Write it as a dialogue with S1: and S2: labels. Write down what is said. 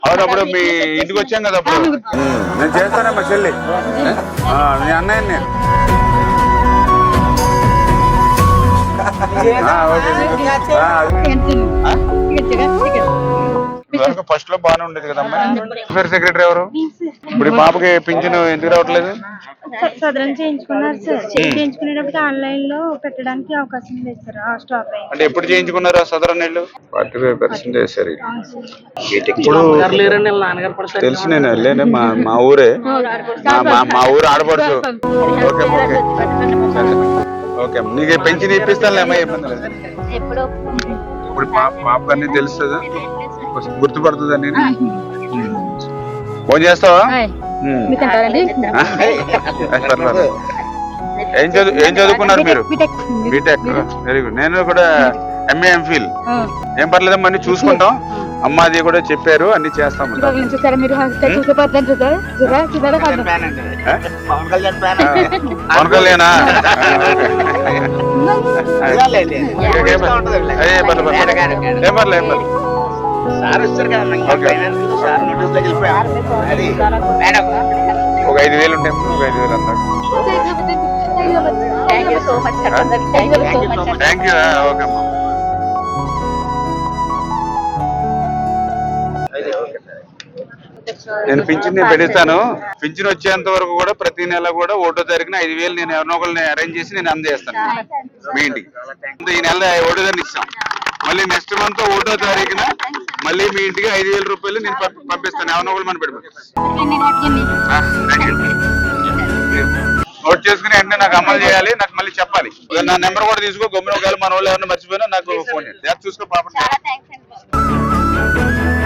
S1: అవును అప్పుడు మీ ఇంటికి వచ్చాం కదా అప్పుడు.
S2: నేను చేస్తానమ్మా చెల్లి, మీ అన్నయ్య నేను.
S1: ఫస్ట్ లో బాగానే ఉండేది కదమ్మా. సెక్రటరీ ఎవరు ఇప్పుడు ఈ పాపకి పింఛను ఎందుకు రావట్లేదు?
S3: సదరన్ చేయించుకున్నారు సార్. చేయించుకునేటప్పుడు ఆన్లైన్ లో పెట్టడానికి అవకాశం లేదు సార్. స్టాప్ అయింది.
S1: అంటే ఎప్పుడు చేయించుకున్నారు ఆ సదరన్ నీళ్ళు? 45% వేసారు. తెలుసు, నేను వెళ్ళాను, మా ఊరే, మా ఊరు ఆడపడుచు. ఓకే ఓకే ఓకే, నీకు పెన్షన్ ఇప్పిస్తానులేమ్మా, ఇబ్బంది లేదు. ఇప్పుడు పాప అన్ని తెలుస్తుందా, గుర్తుపడుతుందా? నేను ఫోన్ చేస్తావా? ఏం చదువుకున్నారు మీరు? BTech, very good. నేను కూడా ఎంఏ ఎంఫిల్. ఏం పర్లేదమ్మా, అన్ని చూసుకుంటాం. అమ్మ అది కూడా చెప్పారు, అన్ని చేస్తాము. పవన్ కళ్యాణా? ఏం పర్లేదు. ఒక 5,000 ఉంటాయి, ఒక 5,000 అన్నారు. Thank you. ఓకే అమ్మా. నేను పింఛన్ పెడతాను. పింఛన్ వచ్చేంత వరకు కూడా ప్రతి నెల కూడా 1వ తారీఖున 5,000 నేను ఎవరినో ఒకరిని అరేంజ్ చేసి నేను అందజేస్తాను మీ ఇంటికి. ఈ నెల 1వ తారీఖు ఇస్తాం. మళ్ళీ నెక్స్ట్ మంత్ 1వ తారీఖున మళ్ళీ మీ ఇంటికి 5,000 రూపాయలు నేను పంపిస్తాను. ఎవరినో ఒకరు మనం పెడతాం. నోట్ చేసుకుని వెంటనే నాకు అమలు చేయాలి, నాకు మళ్ళీ చెప్పాలి. నా నెంబర్ కూడా తీసుకో, గమ్మున ఒకవేళ మన వాళ్ళు ఎవరైనా మర్చిపోయినా నాకు ఫోన్ చేయాలి. చూసుకో పాప.